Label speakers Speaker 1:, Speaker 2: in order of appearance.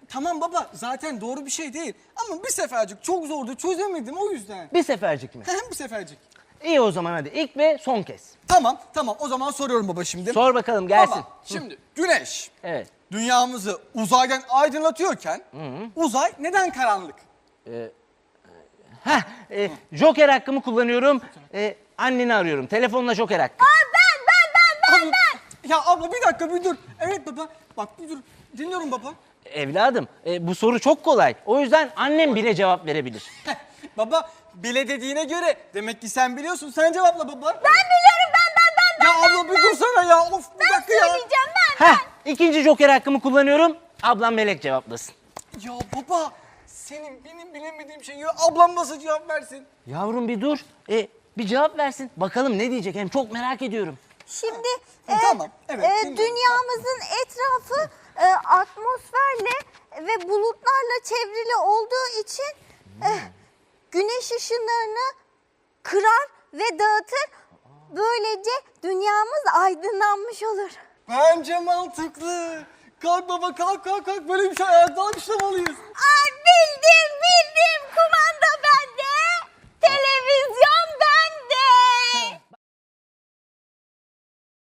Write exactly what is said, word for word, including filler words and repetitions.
Speaker 1: tamam baba zaten doğru bir şey değil. Ama bir sefercik çok zordu çözemedim o yüzden.
Speaker 2: Bir sefercik mi?
Speaker 1: Hem bir sefercik.
Speaker 2: İyi o zaman hadi ilk ve son kez.
Speaker 1: Tamam tamam o zaman soruyorum baba şimdi.
Speaker 2: Sor bakalım gelsin.
Speaker 1: Baba şimdi güneş
Speaker 2: Evet.
Speaker 1: dünyamızı uzaydan aydınlatıyorken uzay neden karanlık?
Speaker 2: Heh, e, Joker hakkımı kullanıyorum. E, anneni arıyorum. Telefonla Joker hakkı.
Speaker 1: Abla, ya abla bir dakika bir dur. Evet baba bak bir dur. Dinliyorum baba.
Speaker 2: Evladım e, bu soru çok kolay. O yüzden annem bile cevap verebilir.
Speaker 1: Heh, baba bile dediğine göre demek ki sen biliyorsun. Sen cevapla baba.
Speaker 3: Ben biliyorum ben ben ben.
Speaker 1: Ya abla bir dursana ya. Of bir dakika ya.
Speaker 3: Söyleyeceğim ben.
Speaker 2: Heh, ikinci Joker hakkımı kullanıyorum. Ablam Melek cevaplasın.
Speaker 1: Ya baba senin benim bilemediğim şeyi ablam nasıl cevap versin?
Speaker 2: Yavrum bir dur. E, bir cevap versin. Bakalım ne diyecek hem çok merak ediyorum.
Speaker 3: Şimdi
Speaker 1: Ha, tamam, evet,
Speaker 3: e,
Speaker 1: dinliyorum.
Speaker 3: dünyamızın etrafı e, atmosferle ve bulutlarla çevrili olduğu için e, güneş ışınlarını kırar ve dağıtır. Böylece dünyamız aydınlanmış olur.
Speaker 1: Bence mantıklı. Kalk baba kalk kalk kalk. Böyle bir şey hayatta alkışlamalıyız.
Speaker 3: Aa, bildim bildim